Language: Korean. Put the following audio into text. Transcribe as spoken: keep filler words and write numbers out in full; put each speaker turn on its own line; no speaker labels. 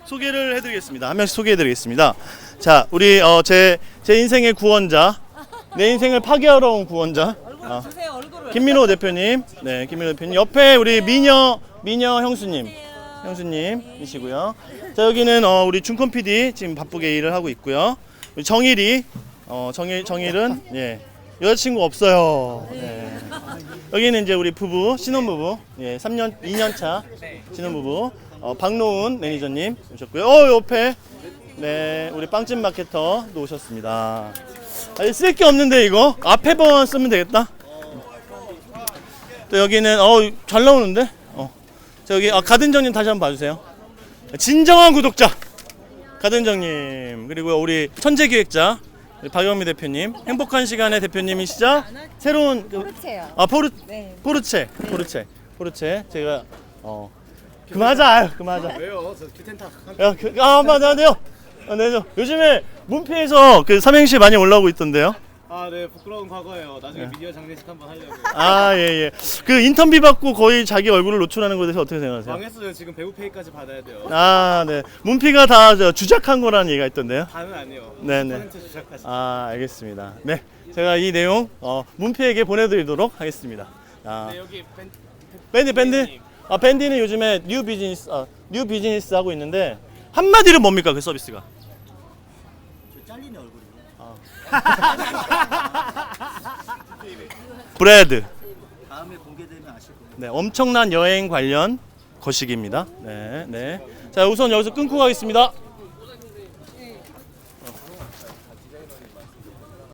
소개를 해드리겠습니다. 한 명씩 소개해드리겠습니다. 자, 우리 어, 제, 제 인생의 구원자, 내 인생을 파괴하러 온 구원자, 어, 김민호 대표님, 네, 김민호 대표님. 옆에 우리 미녀, 미녀 형수님, 형수님이시고요. 자, 여기는 어, 우리 준컴 피디 지금 바쁘게 일을 하고 있고요. 우리 정일이, 어, 정일, 정일은 예, 여자친구 없어요. 네. 여기는 이제 우리 부부, 신혼부부, 예, 삼 년, 이 년 차 신혼부부. 어, 박노은 매니저님 오셨고요. 어, 옆에 네 우리 빵집 마케터도 오셨습니다. 아, 쓸 게 없는데 이거 앞에만 쓰면 되겠다. 또 여기는 어 잘 나오는데. 어, 자 여기 아, 가든정님 다시 한번 봐주세요. 진정한 구독자 가든정님, 그리고 우리 천재기획자 우리 박영미 대표님, 행복한 시간의 대표님이시자 새로운 그,
포르체요.
아 포르
네.
포르체 포르체 포르체 제가 어. 그만하자. 아유, 그만하자.
왜요? 저 큐텐타.
야, 그, 아, 맞아요. 아, 네, 저, 요즘에 문피에서 그 삼행시 많이 올라오고 있던데요.
아, 네, 부끄러운 과거예요. 나중에
네.
미디어 장례식 한번 하려고요.
아, 예, 예. 그 인터뷰 받고 거의 자기 얼굴을 노출하는 것에 대해서 어떻게 생각하세요?
망했어요. 지금 배우 페이까지 받아야 돼요.
아, 네. 문피가 다 저, 주작한 거라는 얘기가 있던데요.
다는 아니요.
네, 네.
십 퍼센트 주작하시.
아, 알겠습니다. 네. 제가 이 내용 어, 문피에게 보내드리도록 하겠습니다. 아,
네, 여기 밴
밴드, 밴드? 아, 밴디는 요즘에 뉴 비즈니스, 아, 뉴 비즈니스 하고 있는데 한마디로 뭡니까 그 서비스가?
저 잘리는 얼굴이요.
브레드.
다음에 공개되면 아실 거예요.
네, 엄청난 여행 관련 거식입니다. 네, 네. 자, 우선 여기서 끊고 가겠습니다.